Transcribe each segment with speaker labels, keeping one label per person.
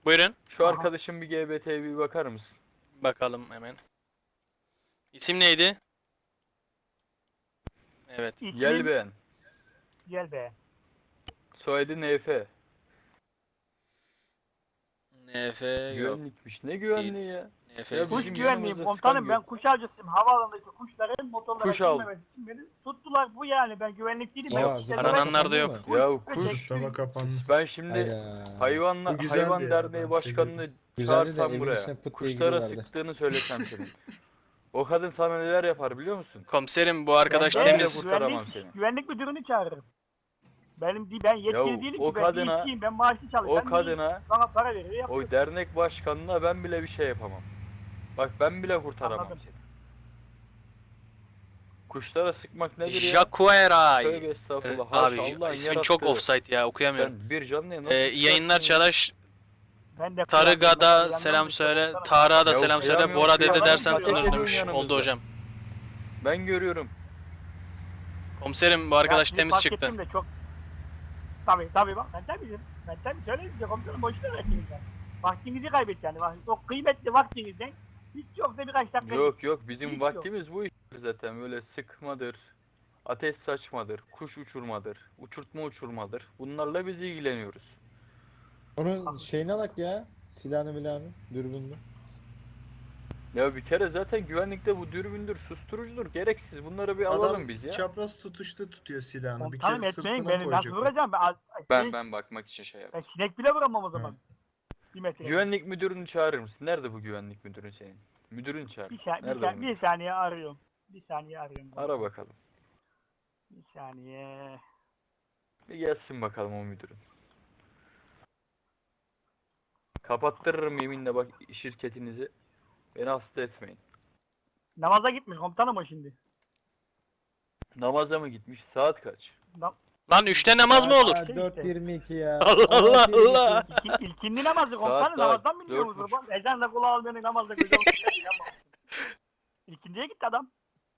Speaker 1: Buyurun.
Speaker 2: Şu
Speaker 3: Aha.
Speaker 2: arkadaşın bir GBT'ye bir bakar mısın?
Speaker 1: Bakalım hemen. İsim neydi? Evet.
Speaker 2: Gel beğen.
Speaker 3: Gel be.
Speaker 2: Soyadı NF.
Speaker 1: NF yok.
Speaker 2: Güvenlikmiş. Ne güvenliği ya?
Speaker 1: NF.
Speaker 2: Ya
Speaker 3: Kuş
Speaker 2: bizim
Speaker 3: güvenliğim
Speaker 2: yanımızda
Speaker 3: komutanım,
Speaker 2: çıkan
Speaker 3: ben kuş avcısıyım. Havaalanındaki kuşların motorlara
Speaker 2: Kuş av.
Speaker 3: girmemesi için beni tuttular. Bu yani, ben güvenlik değilim.
Speaker 4: Aa,
Speaker 3: Ben kuşları
Speaker 1: arananlar da yok.
Speaker 3: Kuş
Speaker 2: Ya
Speaker 3: ve
Speaker 2: kuş.
Speaker 3: tek-
Speaker 4: kapandı.
Speaker 2: Ben şimdi
Speaker 4: Hayda.
Speaker 2: hayvan
Speaker 4: Bu güzeldi
Speaker 2: hayvan
Speaker 4: ya,
Speaker 2: derneği
Speaker 4: ben
Speaker 2: başkanını
Speaker 4: Güzeldi de
Speaker 2: çağırsam
Speaker 4: evin
Speaker 2: buraya.
Speaker 4: içine pıt diye
Speaker 2: Kuşlara
Speaker 4: giriyorlardı.
Speaker 2: sıktığını söylesem senin. O kadın sana neler yapar biliyor musun?
Speaker 1: Komiserim bu arkadaş
Speaker 3: Ben
Speaker 1: temiz.
Speaker 2: kurtaramam seni.
Speaker 3: güvenlik müdürünü çağırırım. Ben yetkili
Speaker 2: Yahu,
Speaker 3: değilim
Speaker 2: o
Speaker 3: ki, ben
Speaker 2: kadına-
Speaker 3: bir işçiyim, ben maaşlı çalışıyorum.
Speaker 2: O kadına,
Speaker 3: Bana para veriyor, yapıyor.
Speaker 2: o dernek başkanına ben bile bir şey yapamam. Bak ben bile kurtaramam
Speaker 3: Anladım.
Speaker 2: seni. Kuşlara sıkmak nedir ya?
Speaker 1: Jacueray.
Speaker 2: Tövbe estağfurullah.
Speaker 1: Abi
Speaker 2: Haşa, Allah'ın
Speaker 1: ismin çok
Speaker 2: yarattığı.
Speaker 1: offside ya, okuyamıyorum.
Speaker 2: Sen bir canlıya nasıl
Speaker 1: İyi yayınlar
Speaker 2: sıkarsın ya?
Speaker 1: Çağdaş.
Speaker 3: Ben de
Speaker 1: Tarık'a da
Speaker 3: yandan
Speaker 1: selam
Speaker 3: bir
Speaker 1: söyle.
Speaker 3: komutanım.
Speaker 1: Tarık'a da
Speaker 2: Ya
Speaker 1: selam söyle.
Speaker 2: okuyamıyorum,
Speaker 1: Bora dede
Speaker 2: okuyamıyorum.
Speaker 1: dersen
Speaker 2: Zaten
Speaker 1: tanırım
Speaker 2: ediyorsun
Speaker 1: demiş.
Speaker 2: yanımızda.
Speaker 1: Oldu hocam.
Speaker 2: Ben görüyorum.
Speaker 1: Komiserim bu arkadaş
Speaker 3: Ya,
Speaker 1: temiz
Speaker 3: fark
Speaker 1: çıktı.
Speaker 3: ettim de çok. Tabii bak, ben tabii söyleyeyim size komutanım, boşuna verdiniz yani. Vaktinizi kaybet yani. Çok kıymetli vaktinizden hiç yoksa birkaç dakika.
Speaker 2: Yok bizim
Speaker 3: Hiç
Speaker 2: vaktimiz bu iş zaten, böyle sıkmadır, ateş saçmadır, kuş uçurmadır, uçurtma uçurmadır. Bunlarla biz ilgileniyoruz.
Speaker 4: Onun şeyine bak ya. Silahını milahını, dürbününü.
Speaker 2: Ya bir kere zaten güvenlikte bu dürbündür, susturucudur, gereksiz. Bunları bir alalım biz ya.
Speaker 5: Çapraz tutuşta tutuyor silahını. Bir
Speaker 3: Komutanım
Speaker 5: kere
Speaker 3: etmeyin,
Speaker 5: sırtına
Speaker 3: beni nasıl
Speaker 5: koyacak.
Speaker 3: vuracağım?
Speaker 6: Ben bakmak için şey yaptım.
Speaker 3: Ben sinek bile vuramam o zaman. Bir metre.
Speaker 2: Güvenlik müdürünü çağırır mısın? Nerede bu güvenlik müdürün senin? Müdürünü çağır. Nerede bu
Speaker 3: Bir
Speaker 2: müdür?
Speaker 3: saniye arıyorum. Bir saniye arıyorum.
Speaker 2: Ara bakalım.
Speaker 3: Bir saniye.
Speaker 2: Bir gelsin bakalım o müdürün. Kapattırırım yeminle bak şirketinizi. Beni hasta etmeyin.
Speaker 3: Namaza gitmiş komutanım o şimdi.
Speaker 2: Namaza mı gitmiş? Saat kaç?
Speaker 1: Lan 3'te namaz mı olur?
Speaker 4: Aa, 4.22 ya.
Speaker 1: Allah Allah Allah.
Speaker 3: İlkindi namazı komutanım,
Speaker 2: Saat,
Speaker 3: namazdan
Speaker 2: saat,
Speaker 3: biliyor musunuz?
Speaker 2: 4.30.
Speaker 3: Bak, ezanla kulağı almayanın namazda gözü olmuyor. İlkindiye gitti adam.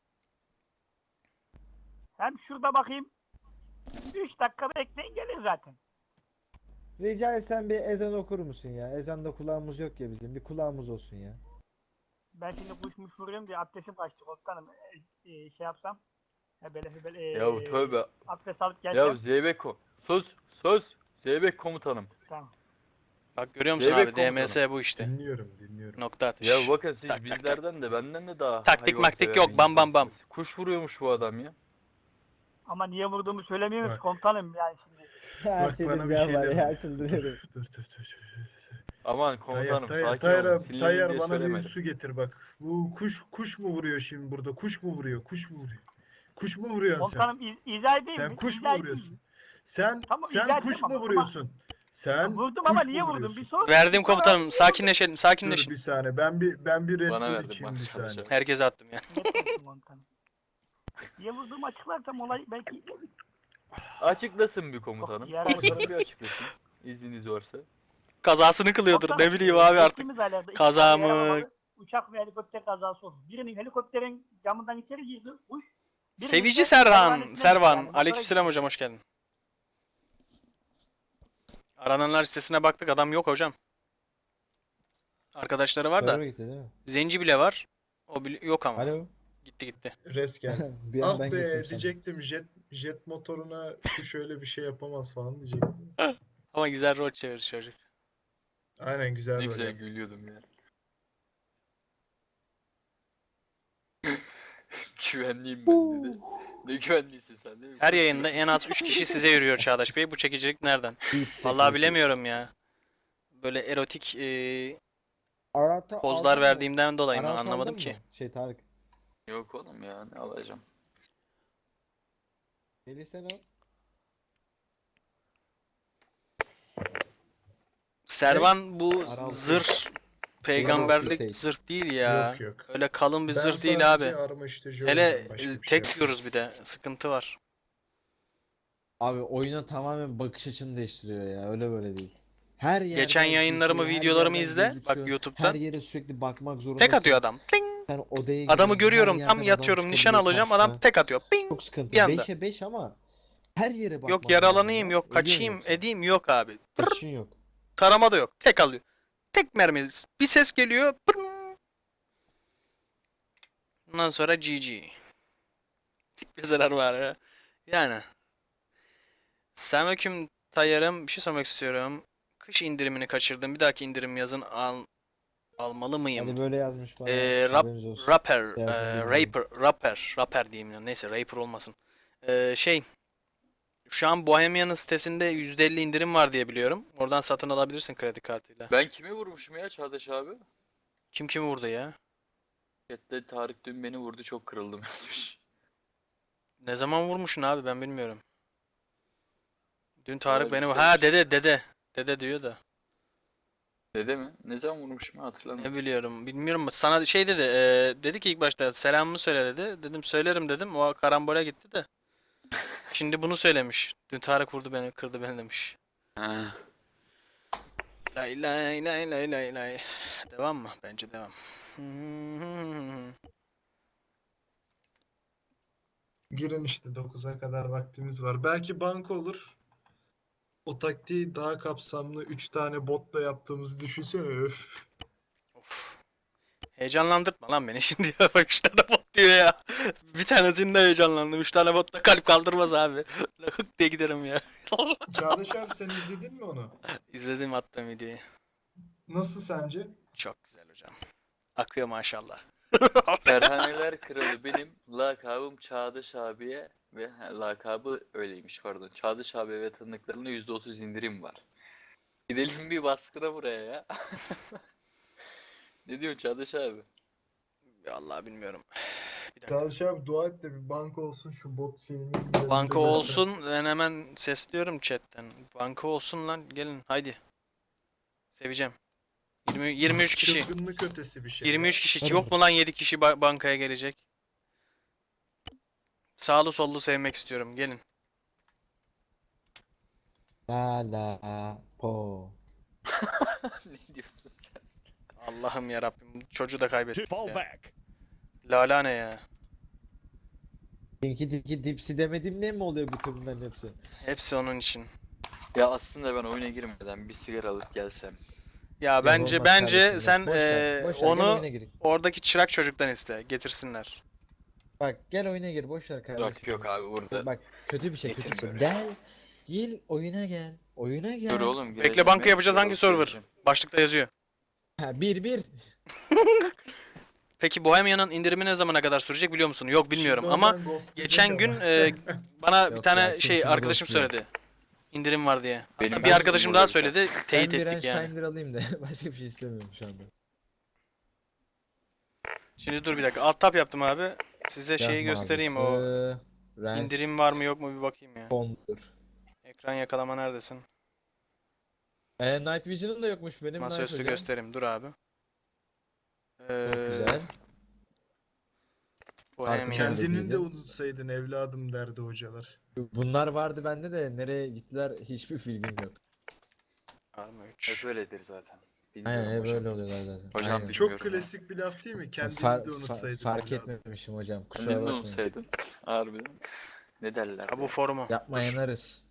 Speaker 3: Hem şurada bakayım. 3 dakika bekleyin, gelir zaten.
Speaker 4: Rica etsem bir ezan okur musun ya? Ezanda kulağımız yok ya bizim. Bir kulağımız olsun ya.
Speaker 3: Ben şimdi kuşmuş vuruyorum diye abdestim kaçtı komutanım. Şey yapsam. Hebele.
Speaker 2: Yahu tövbe.
Speaker 3: Abdest alıp
Speaker 2: Ya
Speaker 3: gelsem.
Speaker 2: Zeybek sus. Zeybek komutanım.
Speaker 3: Tamam.
Speaker 1: Bak görüyor musun
Speaker 2: Zeybek
Speaker 1: abi, DMS bu işte.
Speaker 5: Dinliyorum.
Speaker 1: Nokta atış.
Speaker 2: Ya bakın siz
Speaker 1: Tak, tak, tak.
Speaker 2: bizlerden de benden de daha
Speaker 1: Taktik
Speaker 2: hayvan
Speaker 1: maktik
Speaker 2: sever
Speaker 1: yok,
Speaker 2: bir
Speaker 1: bam, bam, bam.
Speaker 2: insansınız. Kuş vuruyormuş bu adam ya.
Speaker 3: Ama niye vurduğumu söylemiyormuş
Speaker 5: Bak.
Speaker 3: komutanım yani şimdi.
Speaker 4: Her
Speaker 5: Bak
Speaker 4: şeyin
Speaker 5: bana bir
Speaker 4: bir
Speaker 5: şey
Speaker 4: var
Speaker 5: deme.
Speaker 4: ya, çıldırıyorum.
Speaker 5: Dur.
Speaker 2: Aman komutanım sakin olun.
Speaker 5: Tayyar
Speaker 2: Sinirliyim diye
Speaker 5: bana bir
Speaker 2: söylemedim.
Speaker 5: su getir bak. Bu kuş mu vuruyor şimdi burada? Kuş mu vuruyor? Kuş mu vuruyorsun sen?
Speaker 3: Komutanım izah edeyim mi?
Speaker 5: Sen kuş mu
Speaker 3: İzah edeyim
Speaker 5: vuruyorsun?
Speaker 3: mi?
Speaker 5: Sen
Speaker 3: Tamam, izah
Speaker 5: kuş
Speaker 3: ettim
Speaker 5: mu
Speaker 3: ama-
Speaker 5: vuruyorsun? Sen
Speaker 3: Vurdum
Speaker 5: kuş
Speaker 3: ama
Speaker 5: mu
Speaker 3: niye vurdum?
Speaker 5: vuruyorsun?
Speaker 3: Bir sor.
Speaker 1: Verdim komutanım. Sakinleşelim,
Speaker 5: Dur
Speaker 1: sakinleşin.
Speaker 5: bir saniye. Ben bir Red
Speaker 6: Bana
Speaker 5: Bull
Speaker 6: verdim,
Speaker 5: içeyim
Speaker 6: bak,
Speaker 5: bir
Speaker 6: sana
Speaker 5: saniye.
Speaker 1: Herkese attım ya.
Speaker 3: Netlesin komutanım. Niye vurduğumu açıklarsam olay belki...
Speaker 2: Açıklasın bir komutanım.
Speaker 3: Yok, yarar-
Speaker 2: Komutanım bir açıklasın. İzniniz varsa.
Speaker 1: Kazasını kılıyordur,
Speaker 3: Komutanım,
Speaker 1: ne bileyim abi artık.
Speaker 3: geçtiğimiz aylarda iki
Speaker 1: Kaza
Speaker 3: tane
Speaker 1: mı?
Speaker 3: yaralamalı Uçak ve helikopter kazası oldu. Birinin helikopterin camından içeri girdi. Kuş. birinin
Speaker 1: Sevici
Speaker 3: ise
Speaker 1: Serhan,
Speaker 3: hayvanetine
Speaker 1: Servan.
Speaker 3: yani.
Speaker 1: Aleykümselam hocam, hoş geldin. Arananlar listesine baktık, adam yok hocam. Arkadaşları var da.
Speaker 4: Server gitti değil mi?
Speaker 1: Zenci bile var. O bile yok ama.
Speaker 4: Alo.
Speaker 1: Gitti.
Speaker 5: Res geldi.
Speaker 4: Bir an
Speaker 5: Ah
Speaker 4: ben
Speaker 5: be
Speaker 4: gittim sandım.
Speaker 5: diyecektim jet motoruna kuş öyle bir şey yapamaz falan diyecektim.
Speaker 1: Ama güzel rol çevirir çocuk.
Speaker 5: Aynen güzel
Speaker 6: Ne
Speaker 5: böyle.
Speaker 6: güzel gülüyordum ya. Güvenliyim ben dedi. Ne güvenliysin sen değil mi?
Speaker 1: Her yayında en az 3 kişi size yürüyor Çağdaş Bey. Bu çekicilik nereden? Vallahi bilemiyorum ya. Böyle erotik pozlar verdiğimden dolayı mı, anlamadım ki.
Speaker 4: Tarık.
Speaker 6: Yok oğlum ya, ne alacağım.
Speaker 4: Melih sen al.
Speaker 1: Servan bu
Speaker 4: Araltı.
Speaker 1: zırh peygamberlik
Speaker 4: Araltı.
Speaker 1: zırh değil ya.
Speaker 5: Yok.
Speaker 1: Öyle kalın bir
Speaker 5: Ben
Speaker 1: zırh değil abi.
Speaker 5: sadece armaştırıcı
Speaker 1: Hele
Speaker 5: oynarım, başka bir şey
Speaker 1: tek
Speaker 5: yok.
Speaker 1: yiyoruz bir de. Sıkıntı var.
Speaker 4: Abi oyuna tamamen bakış açını değiştiriyor ya. Öyle böyle değil. Her yerden
Speaker 1: Geçen yayınlarımı,
Speaker 4: gözüküyor, her
Speaker 1: videolarımı
Speaker 4: yerden
Speaker 1: izle.
Speaker 4: gözüküyor.
Speaker 1: Bak YouTube'dan.
Speaker 4: Her yere sürekli bakmak zorundasın.
Speaker 1: Tek atıyor adam. Ting!
Speaker 4: Sen odaya
Speaker 1: Adamı
Speaker 4: giriyorsun,
Speaker 1: görüyorum,
Speaker 4: her
Speaker 1: tam
Speaker 4: yerden
Speaker 1: yatıyorum,
Speaker 4: adam
Speaker 1: nişan
Speaker 4: çıkabiliyor
Speaker 1: alacağım.
Speaker 4: karşına.
Speaker 1: Adam tek atıyor. Ping!
Speaker 4: Çok sıkıntı.
Speaker 1: Bir anda.
Speaker 4: 5'e 5 ama her yere bakmak
Speaker 1: Yok
Speaker 4: lazım
Speaker 1: yaralanayım,
Speaker 4: ya.
Speaker 1: yok
Speaker 4: Ediyorsun
Speaker 1: kaçayım,
Speaker 4: yoksa.
Speaker 1: edeyim, yok abi.
Speaker 4: Kaçışın yok.
Speaker 1: Tarama da yok. Tek alıyor. tek mermi. Bir ses geliyor. Pırrrr. Ondan sonra GG. Bir zarar var ya. Yani. Selamünaleyküm Tayyarım. Bir şey sormak istiyorum. Kış indirimini kaçırdım. Bir dahaki indirim yazın almalı mıyım?
Speaker 4: Hadi böyle yazmış bana.
Speaker 1: Rap,
Speaker 4: haberiniz olsun.
Speaker 1: rapper,
Speaker 4: Yazın bilmiyorum.
Speaker 1: rapper diyeyim ya. Neyse rapper olmasın. Şu an Bohemian'ın sitesinde %50 indirim var diye biliyorum. Oradan satın alabilirsin kredi kartıyla.
Speaker 6: Ben kimi vurmuşum ya Çağdaş abi?
Speaker 1: Kim kimi vurdu ya?
Speaker 6: Chat'te Tarık dün beni vurdu çok kırıldım yazmış.
Speaker 1: Ne zaman vurmuşsun abi ben bilmiyorum. Dün Tarık
Speaker 6: Öyle
Speaker 1: beni...
Speaker 6: bir
Speaker 1: Ha
Speaker 6: şeymiş.
Speaker 1: dede. Dede diyor da.
Speaker 6: Dede mi? Ne zaman vurmuşum ya hatırlamıyorum.
Speaker 1: Ne biliyorum. Bilmiyorum. Sana şey dedi. Dedi ki ilk başta selamımı söyle dedi. Dedim söylerim dedim. O karambole gitti de. Şimdi bunu söylemiş. Dün Tarık vurdu beni, kırdı beni demiş.
Speaker 6: Ha.
Speaker 1: Lay lay lay lay lay lay. Devam mı? Bence devam.
Speaker 5: Girin işte 9'a kadar vaktimiz var. Belki banka olur. O taktiği daha kapsamlı 3 tane botla yaptığımızı düşünsene. Öf.
Speaker 1: Of. Heyecanlandırtma lan beni şimdi ya. Bak 3 tane bot diyor ya. Bir tanesinde heyecanlandım. 3 tane botla kalp kaldırmaz abi. Hık diye giderim ya.
Speaker 5: Çağdaş abi sen izledin mi onu?
Speaker 1: İzledim attığım videoyu.
Speaker 5: Nasıl sence?
Speaker 1: Çok güzel hocam. Akıyor maşallah.
Speaker 6: Kerhaneler kralı benim lakabım Çağdaş abiye ve lakabı öyleymiş pardon. Çağdaş abi ve tanıdıklarına %30 indirim var. Gidelim bir baskına buraya ya. Ne diyorsun Çağdaş abi?
Speaker 1: Vallahi bilmiyorum. Bir dakika.
Speaker 5: Çağdaş abi dua et de bir banka olsun şu bot şeyini.
Speaker 1: Banka olsun. Ben hemen sesliyorum chatten. Banka olsun lan. Gelin haydi. Seveceğim. 23 kişi.
Speaker 5: Çılgınlık ötesi bir şey.
Speaker 1: 23 kişi. Yok mu lan 7 kişi bankaya gelecek? Sağlı sollu sevmek istiyorum. Gelin.
Speaker 4: La la po.
Speaker 6: Ne diyorsun sen?
Speaker 1: Allah'ım ya Rabbim. Çocuğu da kaybettik
Speaker 7: Fall
Speaker 1: ya.
Speaker 7: back.
Speaker 1: Lala ne ya?
Speaker 4: Tinky Tinky Dipsy demedim ne mi oluyor bütün bunların hepsi?
Speaker 1: Hepsi onun için.
Speaker 6: Ya aslında ben oyuna girmeden bir sigara alıp gelsem.
Speaker 1: Ya
Speaker 4: Yok,
Speaker 1: bence
Speaker 4: olmaz
Speaker 1: bence
Speaker 4: kardeşim,
Speaker 1: sen
Speaker 4: yok. Boş ver, boş ver, gel
Speaker 1: onu
Speaker 4: oyuna gir.
Speaker 1: oradaki çırak çocuktan iste. Getirsinler.
Speaker 4: Bak gel oyuna gir boş ver kardeşim.
Speaker 6: Bak yok abi burada.
Speaker 4: Bak kötü bir şey kötü bir şey.
Speaker 6: Getirmiyor.
Speaker 4: Gel. Gel oyuna gel. Oyuna gel.
Speaker 6: Dur oğlum
Speaker 1: Bekle
Speaker 6: gireceğim
Speaker 1: banka
Speaker 6: ya,
Speaker 1: yapacağız
Speaker 6: sigara
Speaker 1: hangi
Speaker 6: alıp
Speaker 1: server?
Speaker 6: geleceğim.
Speaker 1: Başlıkta yazıyor.
Speaker 4: Ha 1-1.
Speaker 1: Peki Bohemian'ın indirimi ne zamana kadar sürecek biliyor musun? Yok bilmiyorum ama geçen gün bana bir
Speaker 4: Yok
Speaker 1: tane
Speaker 4: ya,
Speaker 1: şey
Speaker 4: kim
Speaker 1: arkadaşım
Speaker 4: ghostluyor?
Speaker 1: söyledi. İndirim var diye. Hatta
Speaker 6: Benim
Speaker 1: bir arkadaşım
Speaker 6: ghostum
Speaker 1: daha
Speaker 6: burada
Speaker 1: söyledi. Teyit
Speaker 4: Ben bir
Speaker 1: ettik yani.
Speaker 4: Shiner alayım da başka bir şey istemiyorum şu anda.
Speaker 1: Şimdi dur bir dakika. Alt tab yaptım abi. Size şeyi
Speaker 4: Yaz
Speaker 1: göstereyim o.
Speaker 4: mavisi, renk
Speaker 1: İndirim var mı yok mu bir bakayım ya.
Speaker 4: fondur.
Speaker 1: Ekran yakalama neredesin?
Speaker 4: Night Vision'ım da yokmuş benim.
Speaker 1: Masaüstü
Speaker 4: hocam?
Speaker 1: göstereyim. Dur abi.
Speaker 4: Çok güzel.
Speaker 1: Bohemian.
Speaker 5: Kendini de unutsaydın evladım derdi hocalar.
Speaker 4: Bunlar vardı bende de nereye gittiler hiçbir bilgim yok.
Speaker 1: Arma
Speaker 6: Hep
Speaker 1: 3.
Speaker 6: öyledir zaten. Bilmiyorum
Speaker 4: Aynen hep
Speaker 6: hocam.
Speaker 4: öyle oluyorlar zaten.
Speaker 6: Hocam
Speaker 4: Aynen.
Speaker 6: bir-
Speaker 5: Çok
Speaker 6: Bilmiyorum ya.
Speaker 5: klasik bir laf değil mi? Kendini
Speaker 4: Far-
Speaker 5: de unutsaydın
Speaker 4: fark
Speaker 5: evladım.
Speaker 4: etmemişim hocam kusura
Speaker 6: Kendini
Speaker 4: bakmayın.
Speaker 6: unutsaydın. Harbiden. Ne derler?
Speaker 1: Ha bu
Speaker 6: ya?
Speaker 1: forumu.
Speaker 4: Yapma
Speaker 1: Dur.
Speaker 4: yanarız.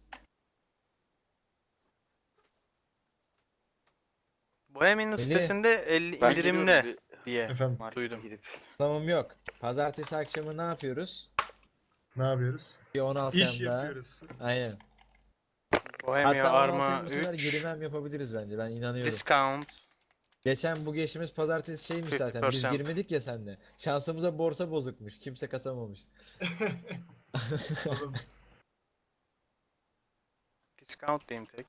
Speaker 1: Bohemian'ın
Speaker 4: Beni-
Speaker 1: sitesinde 50
Speaker 6: Ben
Speaker 1: indirimde
Speaker 6: gidiyorum
Speaker 1: diye.
Speaker 5: Efendim
Speaker 6: bir markete
Speaker 1: Duydum.
Speaker 6: gidip.
Speaker 4: Tamam yok. Pazartesi akşamı ne yapıyoruz?
Speaker 5: ne yapıyoruz?
Speaker 4: Bir 16
Speaker 5: İş
Speaker 4: yanda.
Speaker 5: yapıyoruz.
Speaker 4: Aynen.
Speaker 1: Bohemian
Speaker 4: Hatta 16
Speaker 1: Arma
Speaker 4: yanda bu sefer
Speaker 1: 3.
Speaker 4: girmem yapabiliriz bence ben inanıyorum.
Speaker 1: Discount.
Speaker 4: Geçen bu geçtiğimiz pazartesi şeymiş zaten biz
Speaker 1: 50%.
Speaker 4: girmedik ya seninle. Şansımıza borsa bozukmuş. Kimse katamamış.
Speaker 5: Oğlum,
Speaker 1: Discount diyeyim tek.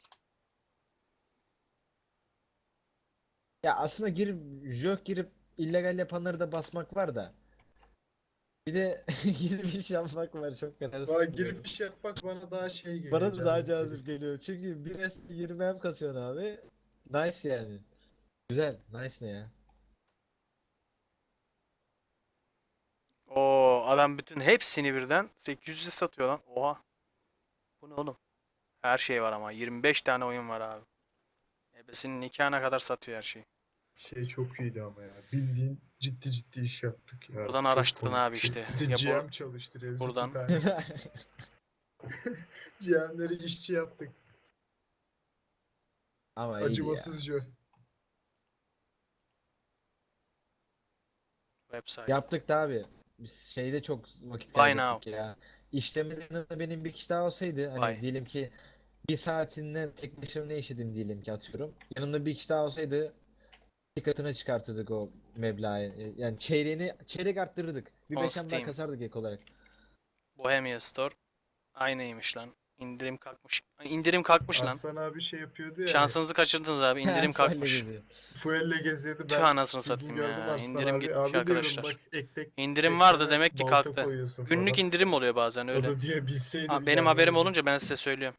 Speaker 4: Ya aslında girip illegal yapanları da basmak var da. Bir de girip iş yapmak var çok kadar
Speaker 5: bana
Speaker 4: sıkılıyor.
Speaker 5: girip iş yapmak bana daha şey geliyor.
Speaker 4: Bana da daha
Speaker 5: cazip
Speaker 4: cazip geliyor. Çünkü bir rest 20 hem kasıyorsun abi. Nice yani. Güzel. Nice ne ya?
Speaker 1: Oo adam bütün hepsini birden 800'e satıyor lan. Oha. Bu ne oğlum? Her şey var ama 25 tane oyun var abi. Ebesinin nikahına kadar satıyor her şeyi.
Speaker 5: Şey çok iyiydi ama ya. Bildiğin ciddi iş yaptık ya.
Speaker 1: Buradan
Speaker 5: Çok
Speaker 1: araştırın
Speaker 5: komik
Speaker 1: abi
Speaker 5: bir şey.
Speaker 1: işte.
Speaker 5: Bir de
Speaker 1: Ya
Speaker 5: GM çalıştırıyoruz
Speaker 1: buradan.
Speaker 5: 2 tane. GM'leri işçi yaptık.
Speaker 4: Ama iyiydi ya.
Speaker 5: Acımasızca.
Speaker 1: Website.
Speaker 4: Yaptık da abi. Biz şeyde çok vakit
Speaker 1: Buy
Speaker 4: kaybettik ya. İşlemeden yanında benim bir kişi daha olsaydı hani
Speaker 1: Buy.
Speaker 4: diyelim ki bir saatinden tek başıma ne işledim diyelim ki atıyorum. Yanımda bir kişi daha olsaydı iki katına çıkartırdık o meblağı. Yani çeyrek arttırırdık. Bir
Speaker 1: On
Speaker 4: 5 daha
Speaker 1: Steam.
Speaker 4: kasardık ek olarak.
Speaker 1: Bohemia Store. Aynıymış lan. İndirim kalkmış. İndirim kalkmış lan.
Speaker 5: Aslan abi şey yapıyordu ya.
Speaker 1: Şansınızı kaçırdınız abi. İndirim
Speaker 4: Fuelle
Speaker 1: kalkmış.
Speaker 4: geziyor.
Speaker 5: Fuelle geziyordu.
Speaker 1: Tüh
Speaker 5: Ben
Speaker 1: anasını
Speaker 5: bir gün
Speaker 1: satayım
Speaker 5: gördüm
Speaker 1: ya.
Speaker 5: Aslan
Speaker 1: İndirim
Speaker 5: abi.
Speaker 1: gitmiş
Speaker 5: Abi diyorum
Speaker 1: arkadaşlar.
Speaker 5: bak
Speaker 1: İndirim vardı
Speaker 5: tekneme
Speaker 1: demek ki
Speaker 5: balta
Speaker 1: kalktı.
Speaker 5: koyuyorsun
Speaker 1: Günlük
Speaker 5: falan.
Speaker 1: indirim oluyor bazen
Speaker 5: O
Speaker 1: öyle.
Speaker 5: da diye bilseydim.
Speaker 1: Benim
Speaker 5: yani
Speaker 1: haberim
Speaker 5: öyle.
Speaker 1: olunca ben size söylüyorum.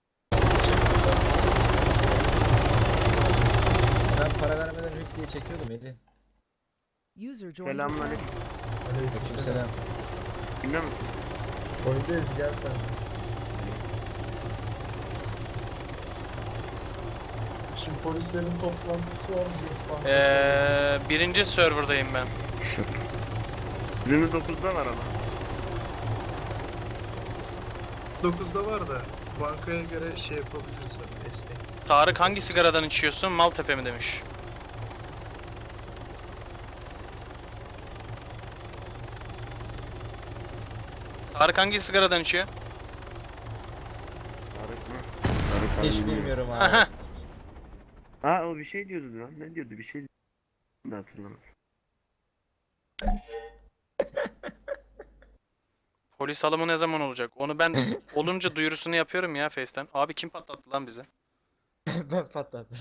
Speaker 4: Ben para vermeden hüp diye çekiyordum eli.
Speaker 7: User joined your
Speaker 8: Selamünaleyküm.
Speaker 7: channel.
Speaker 4: Aleykümselam.
Speaker 8: Bilmiyor musun?
Speaker 5: Oyundayız gel sen. Şimdi polislerin toplantısı var.
Speaker 1: Birinci serverdayım ben.
Speaker 8: Günümüz 9'da var ama.
Speaker 5: 9'da var da bankaya göre şey yapabiliriz hani esnek.
Speaker 1: Tarık hangi sigaradan içiyorsun? Maltepe mi demiş. Tarık hangi sigaradan içiyor?
Speaker 8: Tarık mı? Tarık abi
Speaker 4: Hiç
Speaker 8: bilmiyorum.
Speaker 4: bilmiyorum abi.
Speaker 1: Aha.
Speaker 8: Ha o bir şey diyordu lan. Ne diyordu bir şey ne hatırlamadım.
Speaker 1: Polis alımı ne zaman olacak? Onu ben olunca duyurusunu yapıyorum ya Face'ten. Abi kim patlattı lan bizi?
Speaker 4: Ben patladım.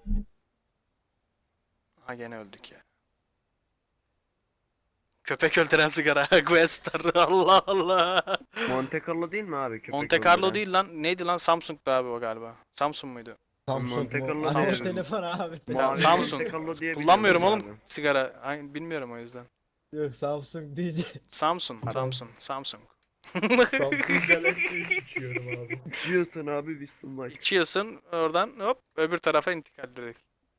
Speaker 1: Ha gene öldük ya. Köpek öldüren sigara. Questar. Allah Allah.
Speaker 8: Monte Carlo değil mi abi? Köpek
Speaker 1: Monte Carlo
Speaker 8: öldüren?
Speaker 1: değil lan. Neydi lan? Samsung'du abi o galiba. Samsung muydu?
Speaker 4: Samsung
Speaker 8: Monte
Speaker 4: mu?
Speaker 8: Carlo
Speaker 4: Hani o
Speaker 1: Samsung.
Speaker 4: telefon abi.
Speaker 8: Mavi
Speaker 1: Samsung.
Speaker 8: Monte Carlo diye
Speaker 1: Kullanmıyorum
Speaker 8: biliyorum
Speaker 1: oğlum
Speaker 8: abi.
Speaker 1: sigara. Bilmiyorum o yüzden.
Speaker 4: Yok Samsung değil.
Speaker 1: Samsung.
Speaker 5: Samsung.
Speaker 1: Samsung.
Speaker 5: Samsung Galaxy'yi içiyorum abi.
Speaker 8: İçiyorsun abi bir sunmak.
Speaker 1: İçiyorsun oradan hop öbür tarafa intikal direkt.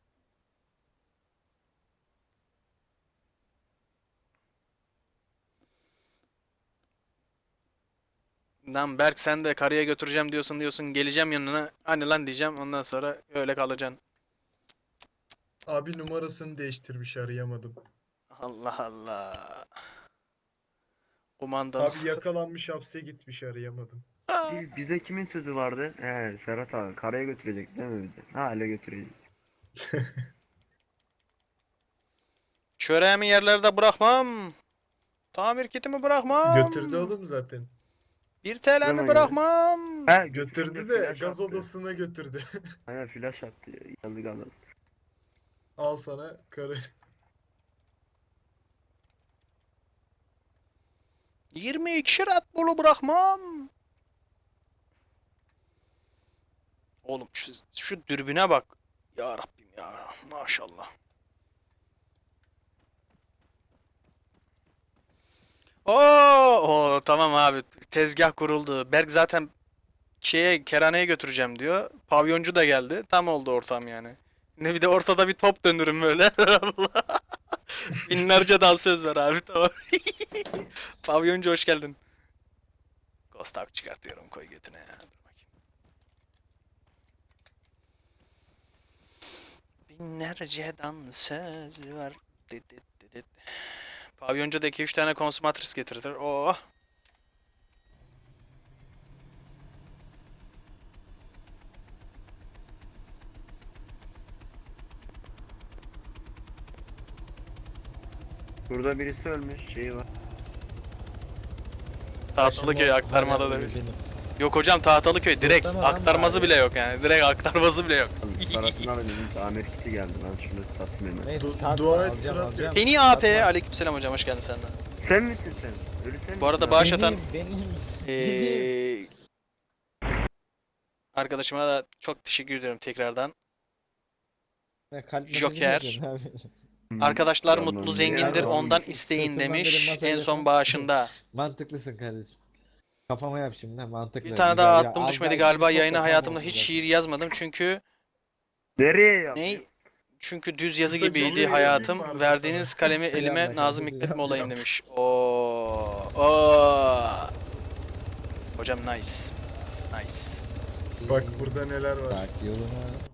Speaker 1: Lan Berk sen de karıya götüreceğim diyorsun geleceğim yanına. Hani lan diyeceğim ondan sonra öyle kalacaksın.
Speaker 5: Abi numarasını değiştirmiş arayamadım.
Speaker 1: Allah Allah. Kumandan.
Speaker 5: Abi yakalanmış hapse gitmiş arayamadım.
Speaker 8: Bize kimin sözü vardı? He Serhat abi. Karaya götürecek değil mi bizi? Hala götürecek.
Speaker 1: Çöreğimi yerlerde bırakmam. Tamir kitimi bırakmam.
Speaker 5: Götürdü oğlum zaten.
Speaker 1: 1 TL'mi
Speaker 8: Zaman
Speaker 1: bırakmam.
Speaker 8: He
Speaker 5: Götürdü
Speaker 8: götürünce
Speaker 5: de
Speaker 8: flash
Speaker 5: gaz
Speaker 8: attı.
Speaker 5: odasına götürdü.
Speaker 8: Aynen flash attı. Yandık anladım.
Speaker 5: Al sana karı.
Speaker 1: 22 Red Bull'u bırakmam. Oğlum şu dürbüne bak. Ya Rabbim ya. Maşallah. Oo, tamam abi. Tezgah kuruldu. Berk zaten kerhaneye götüreceğim diyor. Pavyoncu da geldi. Tam oldu ortam yani. Ne bir de ortada bir top döndürün böyle. Allah. Binlerce dansöz ver abi tamam. Pavyoncu hoş geldin. Ghost Hawk çıkartıyorum koy götüne ya. Dur bakayım. Binlerce dansöz var. Dit dit dit dit. Pavyoncu da 2-3 tane konsumatris getirir. Oh.
Speaker 8: Burada birisi ölmüş. Şeyi var.
Speaker 1: Tahtalıköy aktarmada da bir.
Speaker 4: Benim.
Speaker 1: Yok hocam Tahtalıköy direkt
Speaker 4: Muhtemelen
Speaker 1: aktarması
Speaker 4: abi.
Speaker 1: bile yok yani. Direkt aktarması bile yok.
Speaker 8: Parasını alayım. Tamir kiti geldi. Ben şunu satayım hemen.
Speaker 4: Neyse
Speaker 5: Du-
Speaker 4: satma,
Speaker 5: dua et
Speaker 4: alacağım,
Speaker 5: Fırat
Speaker 4: alacağım.
Speaker 1: Penny AP
Speaker 4: Satma.
Speaker 1: aleykümselam hocam hoş geldin sen de.
Speaker 8: Sen misin sen? Ölü sen
Speaker 1: Bu arada
Speaker 8: misin
Speaker 1: bağış
Speaker 8: abi?
Speaker 1: atan
Speaker 4: Benim.
Speaker 1: arkadaşıma da çok teşekkür ediyorum tekrardan.
Speaker 4: Ya, kalp
Speaker 1: Joker.
Speaker 4: mesajı mı yapıyorsun abi?
Speaker 8: Hmm,
Speaker 1: Arkadaşlar
Speaker 8: tamam.
Speaker 1: mutlu zengindir
Speaker 8: Ya,
Speaker 1: ondan
Speaker 4: sırtından
Speaker 1: isteyin
Speaker 4: benim
Speaker 1: demiş
Speaker 4: masaya
Speaker 1: en son
Speaker 4: yapın.
Speaker 1: bağışında.
Speaker 4: Mantıklısın kardeşim. Kafama yap şimdi ha, mantıklı.
Speaker 1: Bir tane
Speaker 4: Güzel
Speaker 1: daha
Speaker 4: ya,
Speaker 1: attım
Speaker 4: az
Speaker 1: düşmedi
Speaker 4: daha
Speaker 1: galiba
Speaker 4: iki
Speaker 1: yayına
Speaker 4: çok da
Speaker 1: hayatımda
Speaker 4: tam
Speaker 1: hiç
Speaker 4: olsun
Speaker 1: şiir yazmadım çünkü
Speaker 8: Nereye yaptın?
Speaker 1: ne? Çünkü düz yazı
Speaker 5: Kısaca
Speaker 1: gibiydi
Speaker 5: bir
Speaker 1: hayatım.
Speaker 5: vardı
Speaker 1: Verdiğiniz
Speaker 5: sana.
Speaker 1: kalemi elime
Speaker 4: Yap
Speaker 1: Nazım
Speaker 4: bakalım,
Speaker 1: Hikmet'im
Speaker 4: yap.
Speaker 1: olayım demiş. Oo. Hocam nice. Nice.
Speaker 5: Bak burada neler var.
Speaker 4: zaten. Bak yoluna.